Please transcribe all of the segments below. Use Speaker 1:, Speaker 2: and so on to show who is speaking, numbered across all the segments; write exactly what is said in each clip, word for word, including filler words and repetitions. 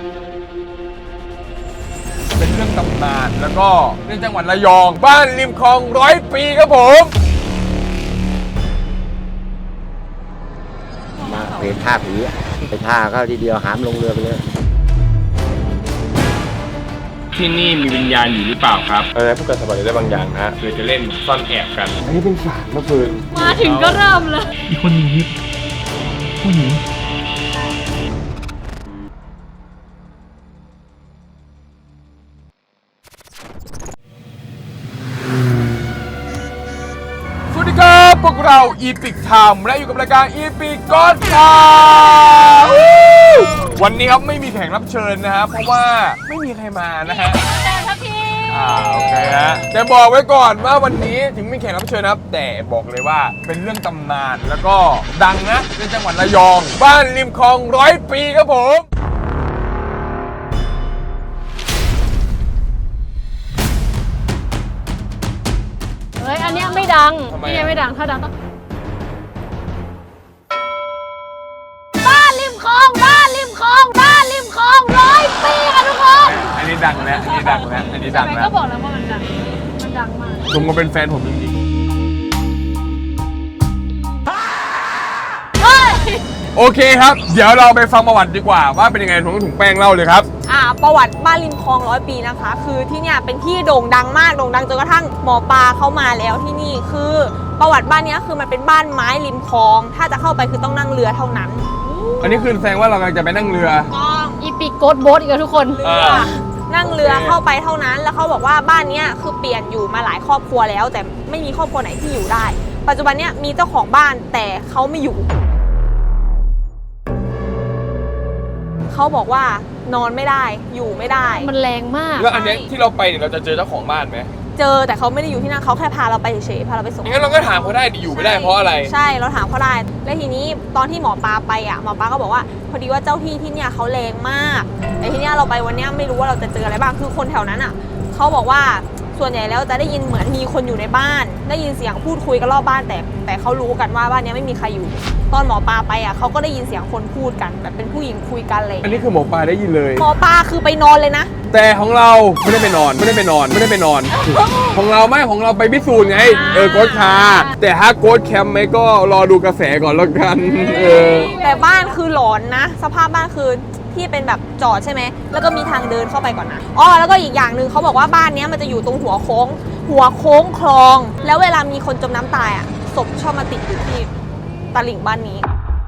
Speaker 1: เป็นเรื่องตำนานแล้วก็ในจังหวัดระยองบ้านริมคลองร้อยปีครับผม
Speaker 2: มาเป็นท่าผีไปท่าเข้าทีเดียวหามลงเรือไปเลย
Speaker 3: ที่นี่มีวิญญาณอยู่หรือเปล่าครับ
Speaker 1: อะไรพวกกันสบายได้บางอย่างนะ
Speaker 3: คือจะเล่นซ่อนแอบกัน
Speaker 1: อันนี้เป็นศาลมะฟืน
Speaker 4: มาถึงก็เริ่มเลย
Speaker 3: มีคนหนีผู้หญิง
Speaker 1: สวัสดีครับพวกเราอีพิกไทม์และอยู่กับรายการอีพิกก็อดข่าว วันนี้ครับไม่มีแขกรับเชิญนะฮะเพราะว่าไม่มีใครมานะฮะ
Speaker 4: แต่ครับพี่
Speaker 1: อ่าโอเคฮะแต่บอกไว้ก่อนว่าวันนี้ถึงไม่มีแขกรับเชิญนะครับแต่บอกเลยว่าเป็นเรื่องตำนานแล้วก็ดังนะในจังหวัดระยองบ้านริมคลองร้อยปีครับผม
Speaker 4: เฮ้ยอันเนี้ยไม่ดัง
Speaker 1: ทำไม
Speaker 4: นี่
Speaker 1: อะ
Speaker 4: ไม่ดังถ้าดังต้องบ้านริมคลองบ้านริมคลองบ้านริมคลองร้อยปีค่ะทุกคน
Speaker 1: อันนี้ดังแล้วอันนี้ดังแล้วอันนี้ดัง
Speaker 4: ทำไม
Speaker 1: แล้
Speaker 4: ก็
Speaker 1: ว
Speaker 4: บอกแล้วว่ามันดังมันดังมาก
Speaker 1: ผมก็เป็นแฟนผมจริง
Speaker 4: เฮ้ย
Speaker 1: ๆโอเคครับเดี๋ยวเราไปฟังประวัติดีกว่าว่าเป็นยังไงถุงถุงแป้งเล่าเลยครับ
Speaker 5: อ่าประวัติบ้านริมคลองร้อยปีนะคะ คือที่เนี่ยเป็นที่โด่งดังมากโด่งดังจนกระทั่งหมอปลาเข้ามาแล้วที่นี่คือประวัติบ้านเนี้ยคือมันเป็นบ้านไม้ริมคลอง ถ้าจะเข้าไปคือต้องนั่งเรือเท่านั้น
Speaker 1: อันนี้คือแสดงว่าเรากำลังจะไปนั่งเรือ
Speaker 5: ต้อง
Speaker 4: อีปิกโกดโบ๊ทอีกแล้วทุกคน
Speaker 5: เรือ
Speaker 1: อ่า
Speaker 5: นั่งเรือ
Speaker 1: โอเค
Speaker 5: เข้าไปเท่านั้น แล้วเขาบอกว่าบ้านเนี้ยคือเปลี่ยนอยู่มาหลายครอบครัวแล้ว แต่ไม่มีครอบครัวไหนที่อยู่ได้ ปัจจุบันเนี้ยมีเจ้าของบ้านแต่เขาไม่อยู่เขาบอกว่านอนไม่ได้อยู่ไม่ได้
Speaker 4: มันแรงมาก
Speaker 1: แล้วอันเนี้ยที่เราไปเนี่ยเราจะเจอเจ้าของบ้านไหม
Speaker 5: เจอแต่เขาไม่ได้อยู่ที่นั่นเขาแค่พาเราไปเฉยๆพาเราไปส่ง
Speaker 1: งั้นเราก็ถามเขาได้ดิอยู่ไม่ได้เพราะอะไร
Speaker 5: ใช่เราถามเขาได้แล้วทีนี้ตอนที่หมอปลาไปอ่ะหมอปลาก็บอกว่าพอดีว่าเจ้าที่ที่เนี่ยเขาแรงมากแต่ทีเนี้ยเราไปวันเนี้ยไม่รู้ว่าเราจะเจออะไรบ้างคือคนแถวนั้นอ่ะเขาบอกว่าส่วนใหญ่แล้วจะได้ยินเหมือนมีคนอยู่ในบ้าน ได้ยินเสียงพูดคุยกันรอบบ้านแต่แต่เขารู้กันว่าบ้านเนี้ยไม่มีใครอยู่ ตอนหมอปลาไปอ่ะเขาก็ได้ยินเสียงคนพูดกันแบบเป็นผู้หญิงคุยกันอะไรอย่าง
Speaker 1: อัน
Speaker 5: เลย
Speaker 1: นี้คือหมอปลาได้ยินเลย
Speaker 5: หมอปลาคือไปนอนเลยนะ
Speaker 1: แต่ของเราไม่ได้ไปนอนไม่ได้ไปนอนไม่ได้ไปนอน ของเราไม่ของเราไปพิสูจน์ไงเออโค้ชคาแต่ถ้าโค้ชแคมป์ไหมก็รอดูกระแสก่อนแล้วกันเออ
Speaker 5: แต่บ้านคือหลอนนะ สภาพบ้านคือที่เป็นแบบจอดใช่ไหมแล้วก็มีทางเดินเข้าไปก่อนนะอ๋อแล้วก็อีกอย่างหนึ่งเขาบอกว่าบ้านเนี้ยมันจะอยู่ตรงหัวโค้ง หัวโค้งคลอง แล้วเวลามีคนจมน้ำตายอ่ะศพชอบมาติดอยู่ที่ตลิ่งบ้านนี้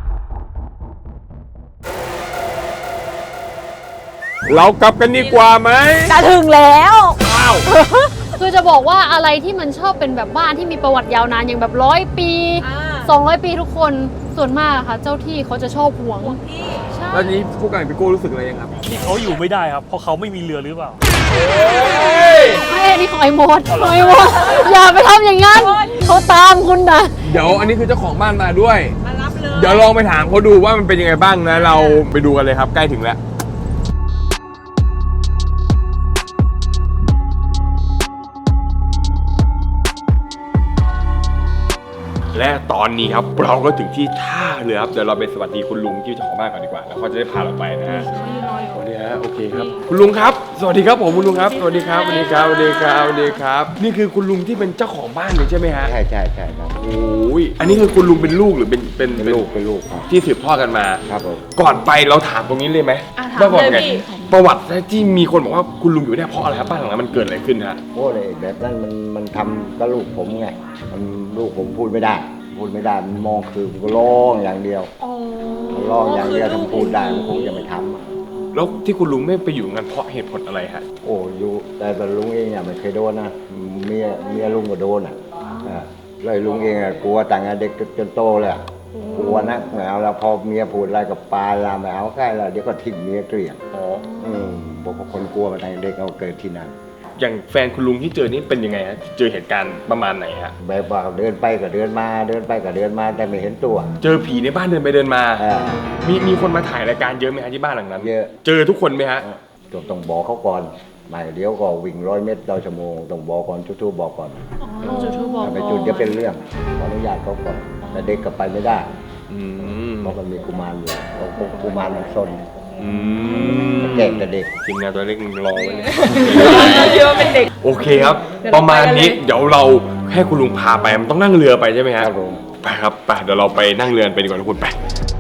Speaker 1: เรากลับกันดีกว่าไหม
Speaker 5: จะถึงแล้ว
Speaker 1: อ้าว
Speaker 4: คือจะบอกว่าอะไรที่มันชอบเป็นแบบบ้านที่มีประวัติยาวนานอย่างแบบร้อยปี
Speaker 5: อ่า
Speaker 4: สองร้อยปีทุกคนส่วนมากอะค่ะ เจ้าที่เขาจะชอบหวงใช่
Speaker 1: แล้วนี้ผู้การพี่โก้รู้สึกอะไรยังครับ
Speaker 6: ที่เขาอยู่ไม่ได้ครับ เพราะเขาไม่มีเรือหรือเปล่า
Speaker 4: ไม่อันนี้ของไอ้โมดของไอ้โมดอย่าไปทำอย่างนั้นเขาตามคุณนะ
Speaker 1: เดี๋ยวอันนี้คือเจ้าของบ้านมาด้วย
Speaker 5: มารับเลย
Speaker 1: เดี๋ยวลองไปถามเขาดูว่ามันเป็นยังไงบ้างนะ เราไปดูกันเลยครับใกล้ถึงแล้ว และตอนนี้ครับเราก็ถึงที่ท่าเรือครับเดี๋ยวเราไปสวัสดีคุณลุงที่เจ้าของบ้านก่อนดีกว่าแล้วเขาจะได้พาเราไปนะฮะสวัสดีฮะโอเคครับคุณลุงครับ สวัสดีครับผมคุณลุงครับสวัสดีครับสวัสดีครับสวัสดีครับสวัสดีครับ นี่คือคุณลุงที่เป็นเจ้าของบ้านเลยใช่ไหมฮะ
Speaker 2: ใช่ใช่ใช่ครับ
Speaker 1: โอ้ยอันนี้คือคุณลุงเป็นลูกหรือเป็นเป็น
Speaker 2: เป็นลูกเป็นลูกครับ
Speaker 1: ที่สืบทอดกันมา
Speaker 2: ครับผม
Speaker 1: ก่อนไปเราถามตรงนี้เลยไหม
Speaker 5: อ่ะถาม
Speaker 1: ว่าบอก
Speaker 5: เลย
Speaker 1: ไง
Speaker 5: พี่
Speaker 1: ประวัติที่มีคนบอกว่าคุณลุงอยู่ได้เพราะอะไรครับบ้านหลังนั้นมันเกิดอะไรขึ้นฮะ
Speaker 2: โอ้เลยแบบนั้นมันมันทำกับลูกผมไงมันลูกผมพูดไม่ได้ พูดไม่ได้มันมองคือมันก็ร้องอย่างเดียว
Speaker 5: อ๋อ
Speaker 2: มันร้องอย่างเดียวทำพูดได้มันคงจะไม่ทำอะ
Speaker 1: แล้วที่คุณลุงไม่ไปอยู่งั้นเพราะเหตุผลอะไรฮะ
Speaker 2: โอ้อยู่แต่แต่ลุงเองเนี่ยไม่เคยโดนนะเมียเมียลุงก็โดนอ่ะอ่าเลยลุงเองอ่ะกลัวต่างงานเด็กจนโตเลยอะกลัวนะไม่เอาแล้วพอเมียพูดอะไรกับปลาลาไม่เอาแค่ละเดี๋ยวก็ทิ้งเมียเกลี้ยง
Speaker 1: อ๋อ
Speaker 2: อืมบอกว่าคนกลัวมาตั้งแต่เด็กเอาเกิดที่นั่น
Speaker 1: อย่างแฟนคุณลุงที่เจอนี่เป็นยังไงฮะเจอเหตุการณ์ประมาณไหนฮะ
Speaker 2: แบบว่าเดินไปก็เดินมาเดินไปก็เดินมาแต่ไม่เห็นตัว
Speaker 1: เจอผีในบ้านเดินไปเดินมา
Speaker 2: อ่า
Speaker 1: มีมีคนมาถ่ายรายการเยอะไหมฮะที่บ้านหลังนั้น
Speaker 2: เยอะ
Speaker 1: เจอทุกคนไหมฮะ
Speaker 2: ต้องต้องบอกเขาก่อนไม่เดี๋ยวก็วิ่งร้อยเมตรต่อชั่วโมงต้องบอกก่อนทุกๆบอกก่อน
Speaker 4: อ๋อจุดทูบบอก
Speaker 2: ถ้าไปจุดจะเป็นเรื่องขออนุญาตเขาก่อนแต่เด็กก็ไปไม่ได้
Speaker 1: อืม
Speaker 2: เพราะมันมีกุมารอยู่เขากุมารมันซน
Speaker 1: อืม
Speaker 2: แก่แต่เด็ก
Speaker 1: ทีมงานตัวเล็กรอไว้เลยโอเคครับ ประมาณนี้เดี๋ยวเราให้คุณลุงพาไปมันต้องนั่งเรือไปใช่ไหมฮะ
Speaker 2: ครับผม
Speaker 1: ไปครับไปเดี๋ยวเราไปนั่งเรือไปดีกว่าทุกคนไป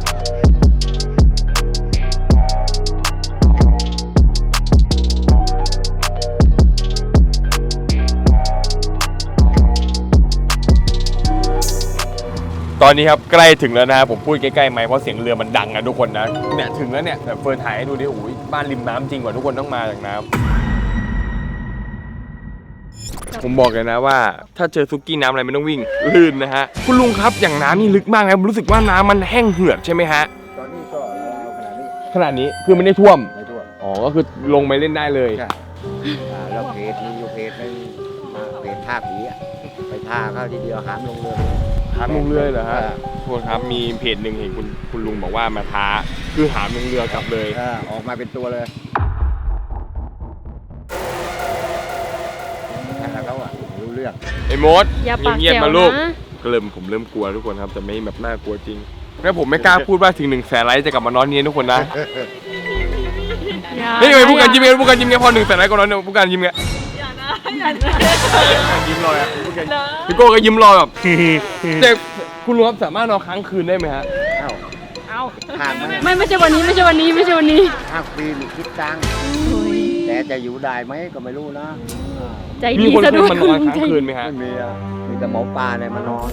Speaker 1: ตอนนี้ครับใกล้ถึงแล้วนะผมพูดใกล้ๆไหมค์เพราะเสียงเรือมันดังนะทุกคนนะเนี่ยถึงแล้วเนี่ยแบบเฟิร์นถ่ายให้ดูดิโอ้ยบ้านริมน้ำจริงกว่าทุกคนต้องมาจากน้ำผมบอกเลยนะว่าถ้าเจอซุกี้น้ำอะไรไม่ต้องวิ่งลื่นนะฮะคุณลุงครับอย่างน้ำนี่ลึกมากนะผมรู้สึกว่าน้ำมันแห้งเหือดใช่ไหมฮะ
Speaker 2: ตอนนี้ก็ราวๆขนาดนี้
Speaker 1: ขนาดนี้คือไม่ได้ท่วม
Speaker 2: ไม่ทั่ว
Speaker 1: อ๋อก็คือลงไปเล่นได้เลย
Speaker 2: ใช่อ่าแล้วเพจมีอยู่เพจนึงอ่าเพจท่าผีอะไปท่าเข้าทีเดียวหามลงเรือ
Speaker 1: หามลงเรือเหรอฮะ
Speaker 2: อ่า
Speaker 1: ทุกคนครับมีเพจหนึ่งเห็นคุณคุณลุงบอกว่ามาท้าคือหามลงเรือกลับเลย
Speaker 2: อ่าออกมาเป็นตัวเลยถ้าเขาอะรู้เรื่อง
Speaker 1: ไอ้มด
Speaker 4: อย่าปาก
Speaker 1: เงียบ
Speaker 4: แจ๋
Speaker 1: ๆ
Speaker 4: ว
Speaker 1: มาลูก
Speaker 4: นะ
Speaker 1: ก็เริ่มผมเริ่มกลัวทุกคนครับแต่ไม่แบบน่ากลัวจริงแล้วผมไม่กล้าพูดว่าถึงหนึ่งแสนไลค์จะกลับมานอนนี้ทุกคนนะ
Speaker 4: อย่า
Speaker 1: เฮ้ยทำไมพูดกันยิ้มเงี้ยพูดกันยิ้มเงี้ยพอหนึ่งแสนไลค์ก็นอนเนี่ยพูดกันยิ้มเงี้ยยิ้มรอยอ่ะพูดกันพี่โก้ก็ยิ้มรอยแบบแต่คุณลุงครับสามารถนอนค้างคืนได้ไหมฮะ
Speaker 2: เอ้า
Speaker 4: เอา
Speaker 2: ห่างมัน
Speaker 4: ไม่ไม่ใช่วันนี้ไม่ใช่วันนี้ไม่ใช่วันนี้
Speaker 2: ห้างฟรีหรือคิดตังค์แต่จะอยู่ได้ไหมก็ไม่รู้นะ
Speaker 4: ใจ
Speaker 1: มี
Speaker 4: ดี
Speaker 1: คน
Speaker 4: ซะ
Speaker 1: เค
Speaker 4: ด้วย
Speaker 1: ยมานอนค้างคืนไหมฮะ
Speaker 2: ไม่มีอะมีแต่หมอปลาเนี่ยมานอน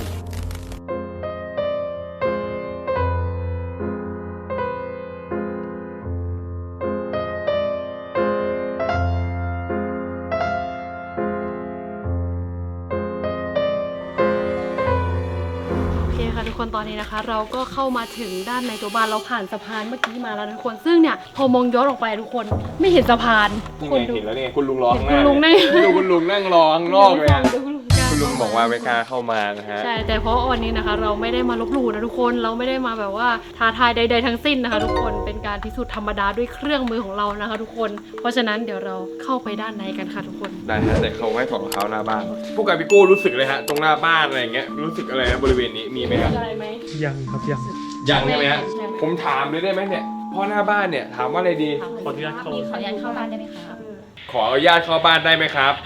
Speaker 4: โอเคค่ะทุกคนตอนนี้นะคะ เราก็เข้ามาถึงด้านในตัวบ้านเราผ่านสะพานเมื่อกี้มาแล้วนะทุกคนซึ่งเนี่ยพอมองย้อนออกไปทุกคนไม่เห็นสะพาน
Speaker 1: นี่
Speaker 4: คน
Speaker 1: ไง
Speaker 4: ดู
Speaker 1: เห็นแล้วเนี่ยคุณลุงรอข้างห
Speaker 4: เห็
Speaker 1: น้าน
Speaker 4: คุณลุงนั่ง
Speaker 1: ดูคุณลุงนั่งรอข้างนอกเลยอะ
Speaker 4: ดูคุณลุง
Speaker 1: คุณลุงบอกว่าไม่กล้าเข้ามานะฮะ
Speaker 4: ใช่แต่เพราะวันนี้นะคะ เราไม่ได้มาลบหลู่นะทุกคนเราไม่ได้มาแบบว่าท้าทายใด ๆ ทั้งสิ้นนะคะ ทุกคนเป็นการพิสูจน์ธรรมดาด้วยเครื่องมือของเรานะคะ ทุกคนเพราะฉะนั้นเดี๋ยวเราเข้าไปด้านในกันค่ะทุกคน
Speaker 1: ได้ฮะแต่เขาให้ถอดรองเท้าหน้าบ้านพวกกับพี่โก้รู้สึกเลยฮะตรงหน้าบ้านอะไรอย่างเงี้ยรู้สึกอะไรนะบริเวณนี้มีไหมครับ
Speaker 4: อะไรไหม
Speaker 6: ยังครับยัง
Speaker 1: ยังใช่ไหมฮะ
Speaker 4: ใช่
Speaker 1: ผมถามเลยได้ไหมเนี่ยพ่อหน้าบ้านเนี่ยถามว่าอะไรดี
Speaker 6: ขออนุญาตเข้า
Speaker 7: ขออนุญาตเข้าบ้านได้ไหมคะ
Speaker 1: ขออนุญาตเข้าบ้านได้ไหมครับ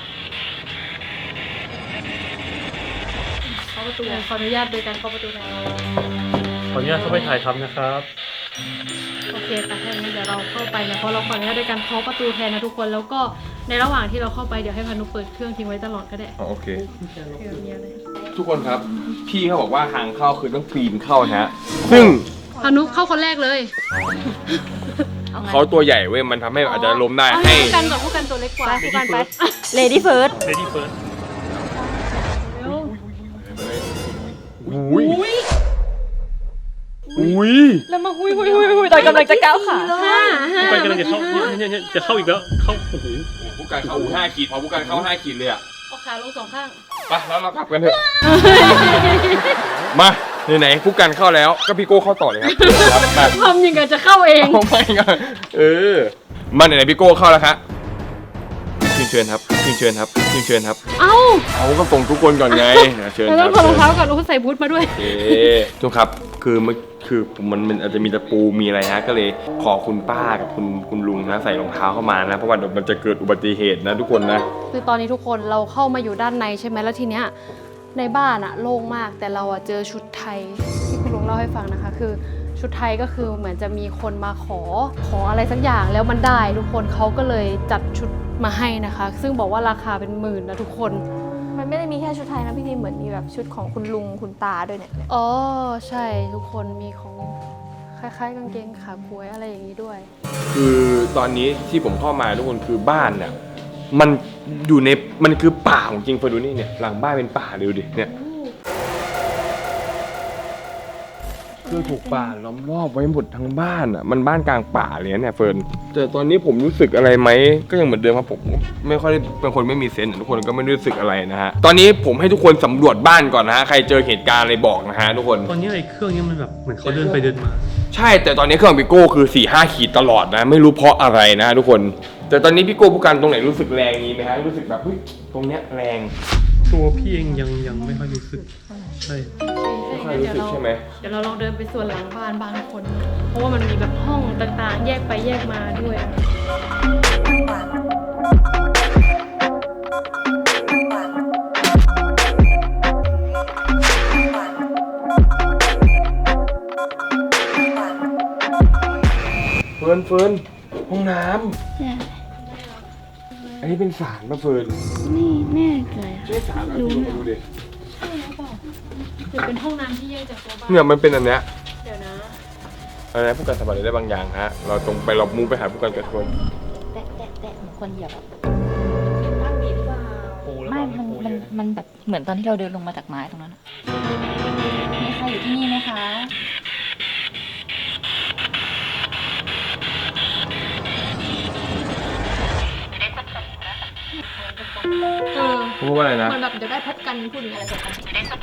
Speaker 4: เข้าประตูขออนุญาตโดยการเข้าประตูนะ
Speaker 6: ขออนุญาตเข้าไปถ่ายทำนะครับ
Speaker 4: โอเคค่ะถ้าอย่างนั้นเดี๋ยวเราเข้าไปนะเพราะเราขออนุญาตโดยการเคาะประตูแทนนะทุกคนแล้วก็ในระหว่างที่เราเข้าไปเดี๋ยวให้พานุเปิดเครื่องทิ้งไว้ตลอดก็ได้
Speaker 1: โอเค
Speaker 4: เผื่อมีอะไร
Speaker 1: ทุกคนครับพี่เขาบอกว่าทางเข้าคือต้องปีนเข้านะฮะซึ่ง
Speaker 4: พานุเข้าคนแรกเลย
Speaker 1: เขาตัวใหญ่เว้ยมันทำให้อาจจะล้มได้
Speaker 4: เอา
Speaker 1: ให้
Speaker 4: ผู้กันกับผู้กันตัวเล็กกว่า
Speaker 7: ผู้กันไป Lady First
Speaker 6: Lady First
Speaker 1: อุ้ยอุ้ย
Speaker 7: แล้วมาหุยหุยหุยหุยตอนกำลังจะก้าวขา
Speaker 4: ห้าห้า
Speaker 6: ผู้กันกำลังจะเข้าเนี่ยเนี่ยเนี่ยจะเข้าอีกแล้ว เข้า โอ้โห
Speaker 1: ผู้การเข้าห้าขีดพอผู้การเข้าห้าขีดเลยอะ
Speaker 4: เอาขาลงสองข้าง
Speaker 1: ไปแล้วเรากลับกันเถอะ มาไหนๆผู้การเข้าแล้วก็พี่โก้เข้าต่อเลยครับครับมา
Speaker 4: ทำยังไงจะเข้าเอง
Speaker 1: เอาไม่กันเออมาไหนๆพี่โก้เข้าแล้วครับเชิญเชิญครับเชิญเชิญครับเชิญเชิญครับ
Speaker 4: เอ้า
Speaker 1: เอาก็ส่งทุกคนก่อนไงเชิญ
Speaker 4: เรา
Speaker 1: ค
Speaker 4: ต้
Speaker 1: รั
Speaker 4: อบ งถอดรองเท้าก่อนโอ้ใส่บูทมาด้วย
Speaker 1: โอเคทุกครับคือมันคือมันมันอาจจะมีตะปูมีอะไรฮะก็เลยขอคุณป้ากับคุณคุณลุงนะใส่รองเท้าเข้ามานะเพราะว่าเดี๋ยวมันจะเกิดอุบัติเหตุนะทุกคนนะ
Speaker 4: คือตอนนี้ทุกคนเราเข้ามาอยู่ด้านในใช่ไหมแล้วทีเนี้ยในบ้านอะโล่งมากแต่เราอะเจอชุดไทยที่คุณลุงเล่าให้ฟังนะคะ คือชุดไทยก็คือเหมือนจะมีคนมาขอขออะไรสักอย่างแล้วมันได้ทุกคนเขาก็เลยจัดชุดมาให้นะคะ ซึ่งบอกว่าราคาเป็นหมื่นนะทุกคน
Speaker 7: มันไม่ได้มีแค่ชุดไทยนะพี่ทีเหมือนมีแบบชุดของคุณลุงคุณตาด้วยเนี่ย
Speaker 4: อ๋อใช่ทุกคนมีของคล้ายๆกางเกงขาก๊วยอะไรอย่างนี้ด้วย
Speaker 1: คือตอนนี้ที่ผมเข้ามาทุกคนคือบ้านเนี่ยมันอยู่ในมันคือป่าของจริงเฟิร์นดูนี่เนี่ยหลังบ้านเป็นป่าเลยดูดิเนี่ยคือถูกป่าล้อมรอบไว้หมดทั้งบ้านอ่ะมันบ้านกลางป่าเลยเนี่ยเฟิร์นแต่ตอนนี้ผมรู้สึกอะไรไหมก็ยังเหมือนเดิมครับผมไม่ค่อยได้เป็นคนไม่มีเซนส์ทุกคนก็ไม่ได้รู้สึกอะไรนะฮะตอนนี้ผมให้ทุกคนสำรวจบ้านก่อนนะฮะใครเจอเหตุการณ์อะไรบอกนะฮะทุกคน
Speaker 6: ตอนนี้ไอ้เครื่องนี้มันแบบเหมือนเขาเดินไปเดินมา
Speaker 1: ใช่แต่ตอนนี้เครื่องพี่โก้คือสี่ห้าขีดตลอดนะไม่รู้เพราะอะไรนะทุกคนแต่ตอนนี้พี่โก้ผู้กันตรงไหนรู้สึกแรงนี้ไหมฮะรู้สึกแบบเฮ้ยตรงเนี้ยแรง
Speaker 6: ตัวพี่เองยังยังไม่ค่อยรู้สึก
Speaker 1: ใ
Speaker 6: ใช่
Speaker 1: ไม่ค่อยรู้สึกใช่ไหม
Speaker 4: เดี๋ยวเราลองเดินไปส่วนหลังบ้านบ้านทุกคน เพราะว่ามันมีแบบห้องต่างๆ แยกไปแยกมาด้วย
Speaker 1: เฟิร์นเฟิร์นห้องน้ำ
Speaker 7: เนี่ย
Speaker 1: อันนี้เป็นศาลป่ะเฟิร์น
Speaker 7: นี่แน่ใจอะ
Speaker 1: ใช่ศาลเหรอพี่ดูดิ
Speaker 4: หรือเป็นห้องน้ำที่แยกจากตัวบ้าน
Speaker 1: เนี่ยมันเป็นอันเนี้ย
Speaker 4: เดี๋ยวนะ
Speaker 1: อะไรนะผู้การสัมผัสได้บางอย่างฮะ เราตรงไปเรามูไปหาผู้การกระทวน
Speaker 8: แตะแตะแตะเหมือนคนเหยียบอะ
Speaker 5: ตั้งดีหรือเปล่า
Speaker 6: โอ้แล้ว
Speaker 8: ไม่
Speaker 6: บอก
Speaker 8: มัน
Speaker 6: โอ้
Speaker 8: มัน
Speaker 6: เยอะ
Speaker 8: มันแบบเหมือนตอนที่เราเดินลงมาจากไม้ตรงนั้นอะมีใครอยู่ที่นี่ไหมคะ
Speaker 5: เออ
Speaker 1: พูดว่าอะไรนะ
Speaker 5: มันแบบจะได้พบกันพูดถึงอะไรสักกัน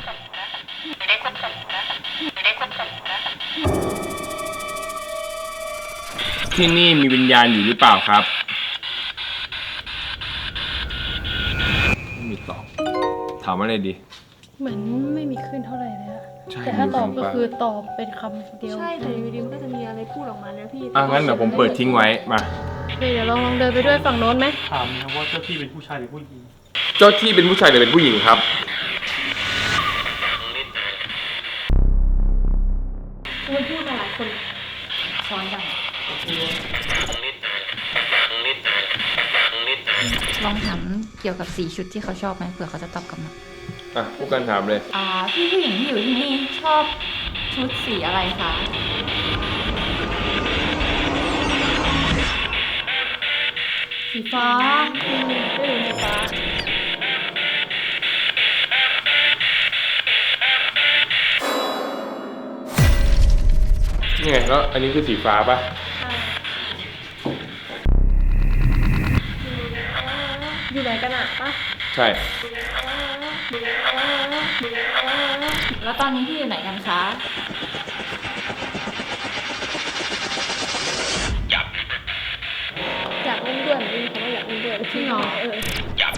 Speaker 3: ที่นี่มีวิญญาณอยู่หรือเปล่าครับ
Speaker 1: ไม่มีตอบ ถามว่าอะไรดี
Speaker 4: เหมือนไม่มีขึ้นเท่าไหร่เลยอะ
Speaker 1: ใช่
Speaker 4: แต่ถ้าตอบ
Speaker 1: มี
Speaker 4: ก็
Speaker 1: คำปะ
Speaker 4: คือตอบเป็นคำเดียว
Speaker 5: ใช่แต่อยู่ดีมันก็จะมีอะไรพูดออกมาแล้วพี่
Speaker 1: อ่ะงั้นเดี๋ยวผมเปิดทิ้งไว้ มา
Speaker 4: โอเคเดี๋ยวลองลองเดินไปด้วยฝั่งโน้นไหม
Speaker 6: ถามนะว่าเจ้าที่เป็นผู้ชายหรือผู้หญิง
Speaker 1: เจ้าที่เป็นผู้ชายหรือเป็นผู้หญิงครับ
Speaker 4: มันพูดมาหลายคน
Speaker 8: ซ้อนกันลองถามเกี่ยวกับสีชุดที่เขาชอบไหมเผื่อเขาจะตอบกลับมา
Speaker 1: อ่ะผู้การถามเลย
Speaker 8: อ่าพี่ผู้หญิงที่อยู่ที่นี่ชอบชุดสีอะไรคะ
Speaker 4: สีฟ้าอืมไม่รู้สีฟ้า
Speaker 1: นี่ไงแล้วอันนี้คือสีฟ้าป่ะ
Speaker 5: อยู่ไหนกันอะปะ
Speaker 1: ใช่
Speaker 8: แล้วตอนนี้พี่อยู่ไหนกันคะ
Speaker 5: อยากเล่นด้วยไม่มีคำว่าอยากเล่นด้วย
Speaker 4: จริงเหรอ
Speaker 5: เออ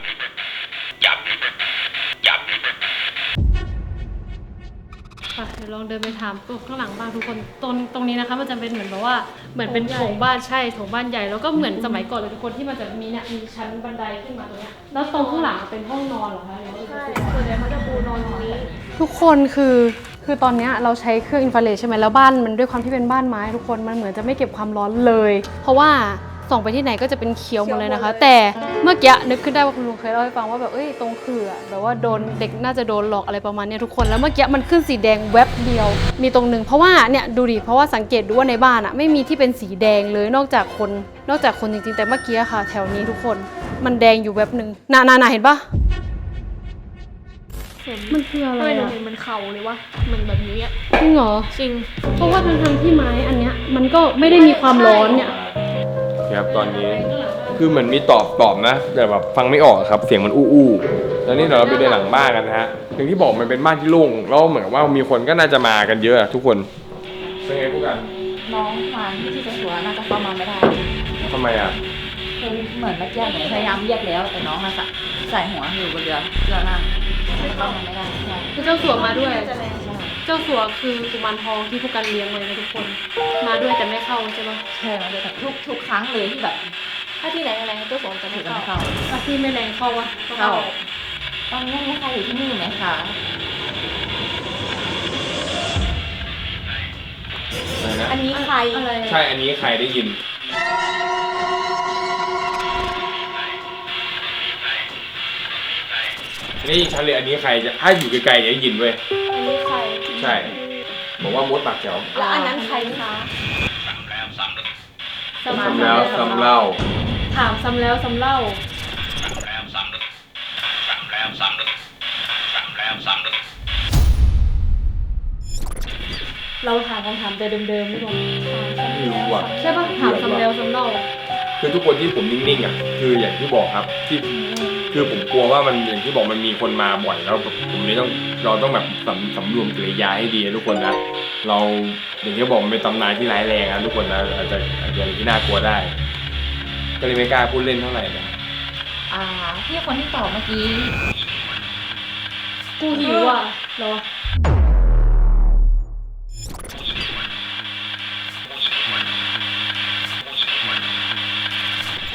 Speaker 4: ค่ะเดี๋ยวลองเดินไปถามตัวข้างหลังบ้านทุกคนตรงตรงนี้นะคะมันจะเป็นเหมือนแบบว่าเหมือนเป็นโถงบ้านใช่โถงบ้านใหญ่แล้วก็เหมือนสมัยก่อนเลยทุกคนที่มันจะมีเนี่ยมีชั้นบันไดขึ้นมาตรงเนี้ยแล้วตรงข้างหลังเป็นห้องนอนเหรอคะหรือว่า
Speaker 5: ใช่ส่วนใหญ่เขาจะปูนอนตรงนี้
Speaker 4: ทุกคนคือคือตอนเนี้ยเราใช้เครื่องอินฟราเรดใช่ไหมแล้วบ้านมันด้วยความที่เป็นบ้านไม้ทุกคนมันเหมือนจะไม่เก็บความร้อนเลย เพราะว่าส่องไปที่ไหนก็จะเป็นเขียวหมดเลยนะคะ แต่เมื่อกี้นึกขึ้นได้ว่าคุณลุงเคยเล่าให้ฟังว่าแบบเอ้ยตรงคืออะแบบว่าโดนเด็กน่าจะโดนหลอกอะไรประมาณเนี้ยทุกคนแล้วเมื่อกี้มันขึ้นสีแดงแวบเดียว มีตรงหนึ่งเพราะว่าเนี่ยดูดิเพราะว่าสังเกตดูว่าในบ้านอะไม่มีที่เป็นสีแดงเลยนอกจากคนนอกจากคนจริงๆแต่เมื่อกี้อะค่ะ แถวนี้ทุกคนมันแดงอยู่แวบหนึ่งนานานาเห็นปะมันคืออะไร
Speaker 5: เฮ้ยหนู
Speaker 4: อะ
Speaker 5: เห็นมันเข่าเลยวะเหมือนแบบนี้อะ
Speaker 4: จริงเหรอ
Speaker 5: จริง
Speaker 4: เพราะว่าทางทางที่ไม้อันเนี้ยมันก็ไม่ได้มีความร้อนเนี่ย
Speaker 1: ครับตอนนี้คือเหมือนมีตอบตอบนะ แต่แบบฟังไม่ออกครับเสียงมันอู้อู้แล้วนี่เดี๋ยวเราไปเดินหลังบ้านกันนะฮะอย่างที่บอกมันเป็นบ้านที่โล่งแล้วเหมือนกับว่ามีคนก็น่าจะมากันเยอะอะทุกคนเป็นไงพวกกัน
Speaker 8: น้องฟางที่ที่จะหัวน่าจะเข้ามาไม่ได้
Speaker 1: ทำไมอ่ะ
Speaker 8: คือเหมือนเมื่อกี้หนูพยายามเรียกแล้วแต่น้องน่ะใส่หัวอยู่บนเรือเรือนั่งเข้ามาไม่ได้ใช่
Speaker 4: คือเจ้าสัวมาด้วย เจ้าสัวคือกุมารทองที่พวกกันเลี้ยงไว้นะทุกคน มาด้วยแต่ไม่เข้าใช่ปะ
Speaker 8: ใช่มันจะแบบทุกทุกครั้งเลยที่แบบ
Speaker 5: ถ้าที่ไหนอะไรเจ้าสมจะไม่
Speaker 8: ถือกัน
Speaker 5: เข้า
Speaker 8: เข้า
Speaker 4: อาที่ไม่แรงเข้าวะก็
Speaker 8: เข้าตอนนี้มีใครอยู่ที่นี่ไหมคะ
Speaker 1: อะไรนะ
Speaker 5: อันนี้ใคร
Speaker 4: อะไรอะ
Speaker 1: ใช่อันนี้ใครได้ยินได้ยินชัดเลยอันนี้ใครจะถ้าอยู่ไกลๆจะได้ยินเว้ย
Speaker 5: อันนี้ใคร
Speaker 1: ใช่บอกว่ามดปากแจ๋ว
Speaker 5: แล้วอันนั้นใครคะ
Speaker 1: ซ้ำแล้วซ้ำเล่า
Speaker 4: ถามซ้ำแล้วซ้ำเล่าเราถามคำถามแต่เดิมๆไม่บอก
Speaker 1: ไม่รู้อ่ะ
Speaker 4: ใช่ปะถามซ้ำแล้วซ้ำเล่า
Speaker 1: คือทุกคนที่ผมนิ่งๆอ่ะคืออย่างที่บอกครับที่คือผมกลัวว่ามันอย่างที่บอกมันมีคนมาบ่อยแล้วแบบผมเลยต้องเราต้องแบบสำสำรวมกิริยาให้ดีนะทุกคนนะเราอย่างที่บอกมันเป็นตำนานที่ร้ายแรงนะทุกคนนะอาจจะอาจจะที่น่ากลัวได้ ก็เลยไม่กล้าพูดเล่นเท่าไหร่นะ
Speaker 8: อ่าพี่คนที่ตอบเมื่อกี้
Speaker 4: กูหิวอ่ะเหรอ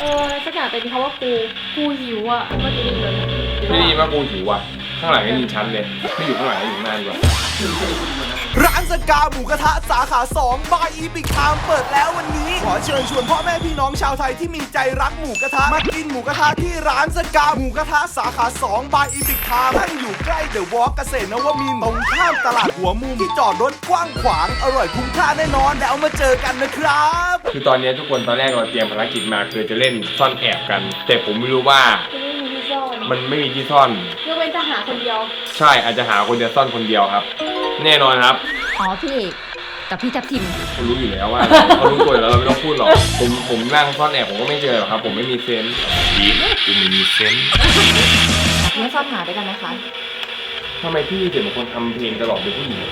Speaker 4: ออสักอย่างแต่มีคำว่ากูกูหิวอ่ะเมื่อกี้ได้ยินเลย
Speaker 1: ไม่ได้ยินว่ากูหิวว่ะข้างหลังก็ยินชัดเลยไม่อยู่ข้างหลังอยู่ข้างหน้าดีกว่า
Speaker 9: ร้านสกาหมูกระทะสาขาสองบายอีพิกไทม์เปิดแล้ววันนี้ ขอเชิญชวนพ่อแม่พี่น้องชาวไทยที่มีใจรักหมูกระทะมากินหมูกระทะที่ร้านสกาหมูกระทะสาขาสองบายอีพิกไทม์ตั้งอยู่ใกล้เดอะวอล์กเกษตรนวมินทร์ตรงข้ามตลาดหัวมุมที่จอดรถกว้างขวางอร่อยคุ้มค่าแน่นอนแล้วมาเจอกันนะครับ
Speaker 1: คือตอนนี้ทุกคนตอนแรกเราเตรียมภารกิจมาคือจะเล่นซ่อนแอบกัน แต่ผมไม่รู้ว่า
Speaker 4: ไม่มีที่ซ่อน
Speaker 1: มันไม่มีที่ซ่อน
Speaker 4: ยกเว้นจะหาคนเดียว
Speaker 1: ใช่อาจจะหาคนเดียวซ่อนคนเดียวครับ แน่นอนครับ
Speaker 8: อ๋อพี่เอกกับพี่ทับทิม
Speaker 1: เขารู้อยู่แล้วว่าเขารู้ตัวอยู่แล้วเราไม่ต้องพูดหรอกผมผมนั่งซ่อนแอบผมก็ไม่เจอหรอกครับ ผมไม่มีเซนส์ดีกูไม่มีเซนส์
Speaker 8: เล่นซ่อนหาด้วยกันไหมคะ
Speaker 1: ทำไมพี่ถึงเป็นคนทำเพลงตลอดเป็นผู้หญิง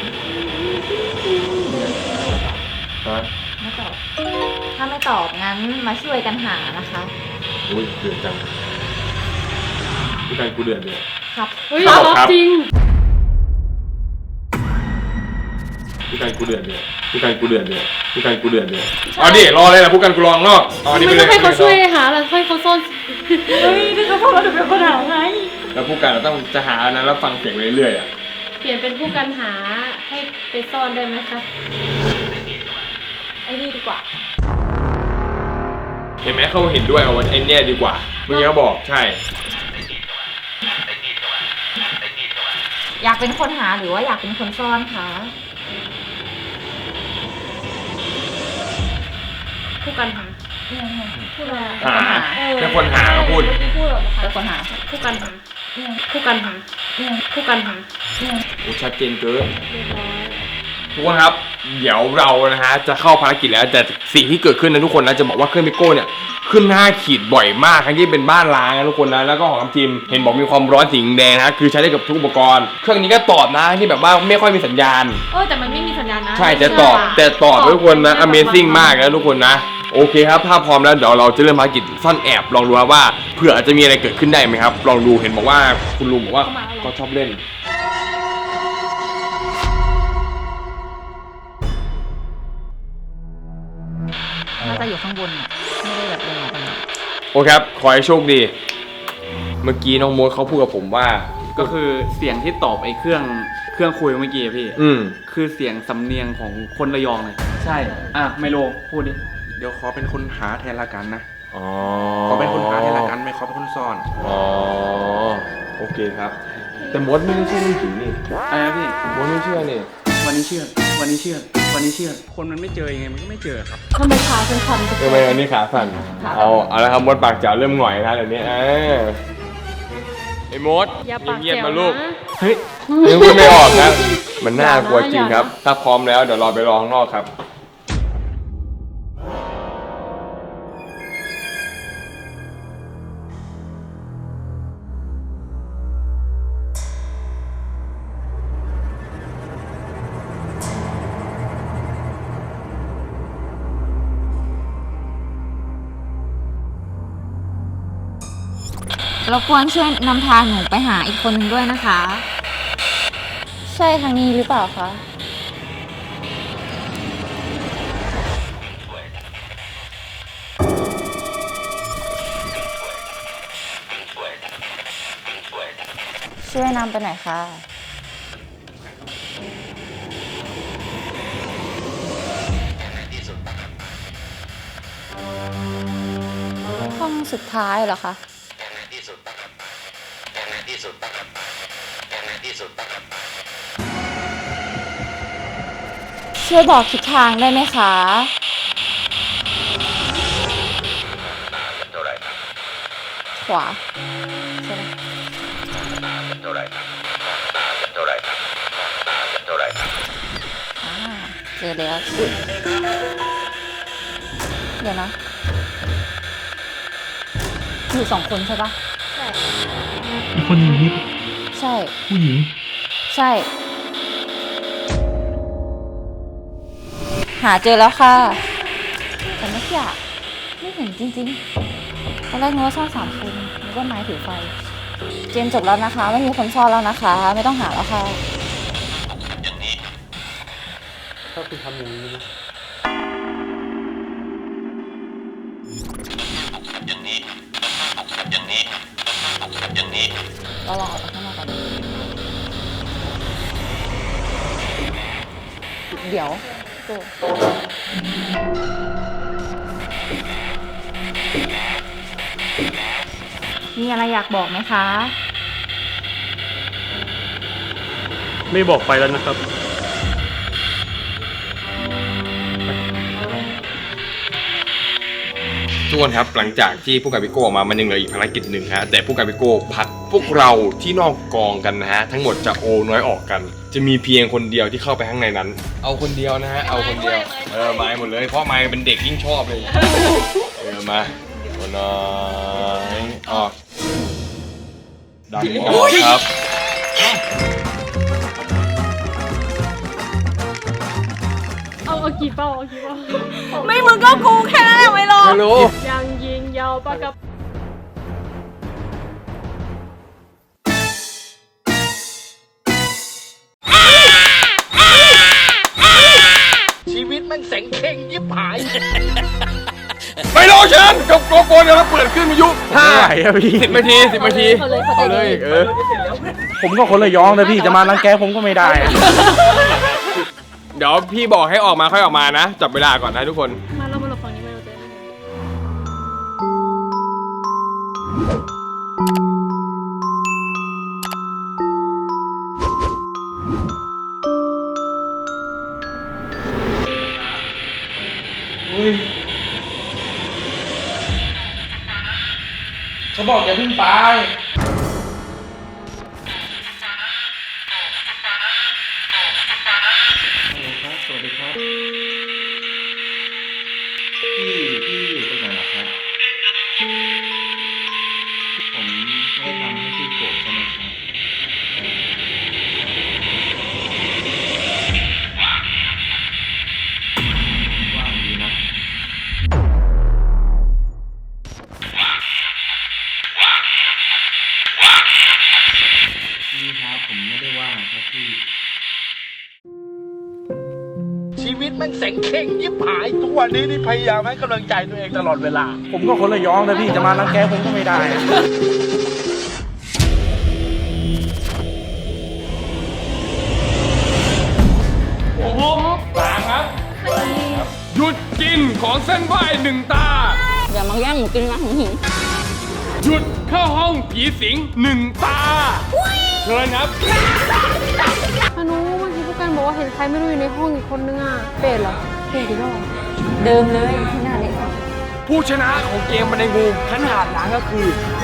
Speaker 1: ฮะ
Speaker 8: ไม่ตอบ ถ้าไม่ตอบงั้นมาช่วยกันหานะคะ
Speaker 1: อุ้ยเดือดจังพี่การกูเดือดเลย
Speaker 8: ครับ
Speaker 4: เฮ้ย
Speaker 1: ครับครับ
Speaker 4: จริง
Speaker 1: พี่การกูเดือดเลยพี่การกูเดือดเลยพี่การกูเดือดเลยเอาดิรอเลยนะพวกกันกูรอข้างนอกเอาอันนี้ไป
Speaker 4: ไม่
Speaker 1: เล
Speaker 4: ต้อย งให้เขาช่วยหาแล้วให้เขาซ่อน
Speaker 8: เฮ้ยนี่เขาบอกว่าจะเป็นคนหาไง
Speaker 1: แล้วพวกกันเราต้องจะหาอันนั้นแล้วฟังเสียงไปเรื่อยๆอ่ะ
Speaker 4: เปลี่ยนเป็นผู้กันหาให้ไปซ่อนได้ไหมคะ
Speaker 8: ไอ้นี่ดีกว่า
Speaker 1: เห็นไหมเขาเห็นด้วยเอาไอ้เนี่ยดีกว่าเมื่อกี้เขาบอกใช่
Speaker 8: อยากเป็นคนหาหรือว่าอยากเป็นคนซ่อนคะ
Speaker 4: ผู้กันหา
Speaker 8: พูดอะไร
Speaker 1: หาเป็นคนหาก็พูด
Speaker 8: พูดแบบเป็นคนหา
Speaker 4: ผู้กันหาผู้กันหาผู้กันหา
Speaker 1: โอ้ชัดเจนเกิน
Speaker 4: เรียบร้อย
Speaker 1: ทุกคนครับเดี๋ยวเรานะฮะจะเข้าภารกิจแล้วแต่สิ่งที่เกิดขึ้นนะทุกคนนะจะบอกว่าเครื่องพิโก้เนี่ยขึ้นหน้าขีดบ่อยมากทั้งที่เป็นบ้านล้างนะทุกคนนะแล้วก็ของน้ำจิมเห็นบอกมีความร้อนสีแดงนะคือใช้ได้กับทุกอุปกรณ์เครื่องนี้ก็ตอบนะที่แบบว่าไม่ค่อยมีสัญญาณ
Speaker 4: เออแต่มันไม่มีสัญญาณนะ
Speaker 1: ใช่แต่ตอบแต่ตอบทุกคนนะ Amazing มากนะทุกคนนะโอเคครับถ้าพร้อมแล้วเดี๋ยวเราจะเริ่มภารกิจซ่อนแอบลองดูครับว่าเผื่ออาจจะมีอะไรเกิดขึ้นได้ไหมครับลองดูเห็นบอกว่าคุณลุงบอกว่าก็ชอบเล่น
Speaker 8: น่าจะอยู่ข้างบนอ่ะไม่ได้แบบเดินออกไปไหน
Speaker 1: โอเคครับขอให้โชคดี เมื่อกี้น้องโมดเขาพูดกับผมว่า
Speaker 6: ก็คือเสียงที่ตอบไอ้เครื่องเครื่องคุยเมื่อกี้อะพี่
Speaker 1: อืม
Speaker 6: คือเสียงสำเนียงของคนระยองเลยใช่อ่ะไมโลพูดดิ
Speaker 10: เดี๋ยวขอเป็นคนหาแทนละกันนะ
Speaker 1: อ๋อ
Speaker 10: ขอเป็นคนหาแทนละกันไม่ขอเป็นคนซ่อน
Speaker 1: อ๋อโอเคครับ แต่มดไม่ได้เชื่อเรื่องผีนี่
Speaker 6: อะไรนะพี่
Speaker 1: มดไม่เชื่อนี่
Speaker 6: วันนี้เชื่อ วันนี้เชื่อ วันนี้เชื่อ คนมันไม่เจอยังไงมันก็ไม่เจอครับ
Speaker 4: ทำไมขาเป็นคันทุกค
Speaker 1: ทำไมอันนี้ขาสั่นเอาเอาละครับมดปากจ๋าเริ่มหงอยนะเดี๋ยวนี้เออไอ้มด
Speaker 4: อย่าปาก
Speaker 1: เงียบ
Speaker 4: แจ๋ว
Speaker 1: ๆมาลูก
Speaker 4: นะ
Speaker 1: เฮ้ยยังพูดไม่ออกนะมันน่ากลัวจริงครับ ถ้าพร้อมแล้วเดี๋ยวรอไปรอข้างนอกครับ
Speaker 8: รบกวนช่วยนำทางหนูไปหาอีกคนหนึ่งด้วยนะคะ
Speaker 7: ใช่ทางนี้หรือเปล่าคะ ช่วยนำไปหน่อยค่ะ ห้องสุดท้ายเหรอคะ ช่วยบอกทิศทางได้ไหมคะ ขวาใช่ไหมอ่าเจอแล้วอุ๊ยเดี๋ยวนะ อยู่สองคนใช่ปะ
Speaker 6: อีกคนหนึ่งนี่
Speaker 7: ใช่
Speaker 6: ผู้หญิง
Speaker 7: ใช่ หาเจอแล้วค่ะ แต่เมื่อกี้อะไม่เห็นจริงๆตอนแรกนึกว่าซ่อนสามคนนึกว่าไม้ถือไฟ เกมจบแล้วนะคะ ไม่มีคนซ่อนแล้วนะคะ ไม่ต้องหาแล้วค่ะ
Speaker 6: ถ้าคุณทำอย่างนี้นะ
Speaker 7: เราลองออกไปข้างนอกก่อนเดี๋ยวโจมีอะไรอยากบอกไหมคะ
Speaker 11: ไม่บอกไปแล้วนะครับ
Speaker 1: ทุกคนครับหลังจากที่ผู้การพิโก้ออกมามันยังเหลืออีกภารกิจหนึ่งฮะแต่ผู้การพิโก้พักพวกเราที่นอกกองกันนะฮะทั้งหมดจะโอน้อยออกกัน จะมีเพียงคนเดียวที่เข้าไปข้างในนั้น เอาคนเดียวนะฮะเอาคนเดียวเออไม้หมดเลยเพราะไม้เป็นเด็กยิ่งชอบเลยเออมาคนน้อยออกดันออกครับ
Speaker 4: เอาเอากี่เป้าเอากี่เป้า
Speaker 5: ไม่มึงก็กูแค่นั้นแหละไม่รอ
Speaker 1: ไม่รู้
Speaker 4: ยังยิงยาวปากกับ
Speaker 9: ชีวิตมันแสงเข่งยิบหาย
Speaker 1: ไม่รอเชิญกับโกโก้เดี๋ยวเราเปิดขึ้นวิทยุห้าสิบนาทีสิบนาที
Speaker 7: เขาเลยเขา
Speaker 1: เอา
Speaker 7: ใจ
Speaker 1: เล
Speaker 7: ดี
Speaker 1: ยเออ
Speaker 11: ผมก็คนระยองนะพี่จะมารังแกผมก็ไม่ได้
Speaker 1: เดี๋ยวพี่บอกให้ออกมาค่อยออกมานะ จับเวลาก่อนนะทุกคน
Speaker 4: มาเรามาหลบฝั่งนี้มาเราเจอ
Speaker 6: เขาบอกอย่าเพิ่งไป
Speaker 10: สวัสดีครับ พี่พี่อยู่ตรงไหนล่ะครับ ผมไม่ได้ทำให้พี่โกรธใช่ไหมครับว่างดีนะ พี่ครับผมไม่ได้ว่างครับพี่
Speaker 9: ชีวิตมันแสงเข่งยิบหายทุกวันนี้นี่พยายามให้กำลังใจตัวเองตลอดเวลา
Speaker 11: ผมก็คนระยองนะพี่จะมารังแกผมก็ไม่ได้
Speaker 1: โอ้โหสามครับ หยุดกินของเส้นไหว้หนึ่งตา
Speaker 7: อย่ามาแย่งหมูกินนะหึงหึง
Speaker 1: หยุดเข้าห้องผีสิงหนึ่งตาเชิญครับ
Speaker 4: พานุเมื่อกี้ผู้การบอกว่าเห็นใครไม่รู้อยู่ในห้องอีกคนนึงอ่ะ เป็ดเหรอ เป็ดอีกแล้วเหรอ
Speaker 7: เดิมเลยที่หน้าเด็ก
Speaker 1: ผู้ชนะของเกมบันไดงูขนาดนั้นก็คือ